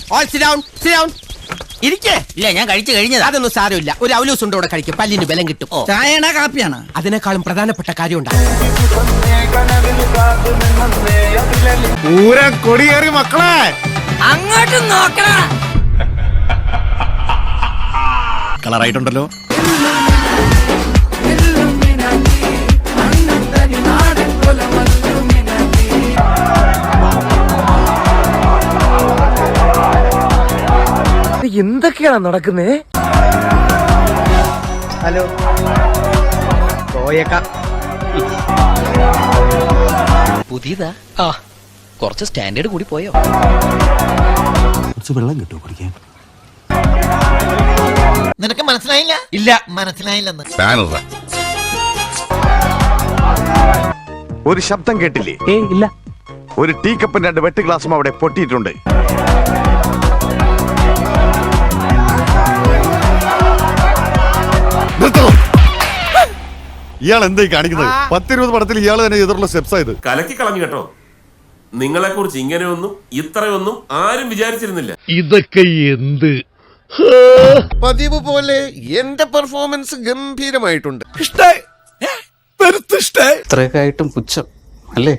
All sit down, sit down. ഇരിക്കേ. ഇല്ല, ഞാൻ കഴിച്ചു കഴിഞ്ഞതാ. അതൊന്നും സാരമില്ല. ഒരു അവലൂസ് ഉണ്ട് ഇവിടെ കഴിക്കും, പല്ലിന് ബലം കിട്ടും. ചായയാണോ കാപ്പിയാണോ? അതിനേക്കാളും പ്രധാനപ്പെട്ട കാര്യമുണ്ട്. പൂരം കൊടിയേറി മക്കളെ, അങ്ങോട്ട് നോക്കണ. കളറായിട്ടുണ്ടല്ലോ. എന്തൊക്കെയാണ് നടക്കുന്നേ? ഹലോ പുതിയതാ? കുറച്ച് സ്റ്റാൻഡേർഡ് കൂടി പോയോ? കുറച്ച് വെള്ളം കിട്ടുമോ കുടിക്കാൻ? നിനക്ക് മനസ്സിലായില്ല? ഇല്ല, മനസ്സിലായില്ലെന്ന്. ഒരു ശബ്ദം കേട്ടില്ലേ? ഇല്ല. ഒരു ടീ കപ്പും 2 വെട്ട് ഗ്ലാസും അവിടെ പൊട്ടിയിട്ടുണ്ട്. ഇയാൾ എന്തായി കാണിക്കുന്നത്? 10-20 പടത്തിൽ ഇയാൾ തന്നെ എതിർള്ള സ്റ്റെപ്സ് ആയത്. കലക്കി കളഞ്ഞു കേട്ടോ. നിങ്ങളെ കുറിച്ച് ഇങ്ങനെയൊന്നും ഇത്രയൊന്നും ആരും വിചാരിച്ചിരുന്നില്ല. ഇതൊക്കെ എന്ത്? പതിവ് പോലെ എന്റെ പെർഫോമൻസ് ഗംഭീരമായിട്ടുണ്ട്. ഇത്രയൊക്കെ ആയിട്ടും പുച്ഛം അല്ലേ?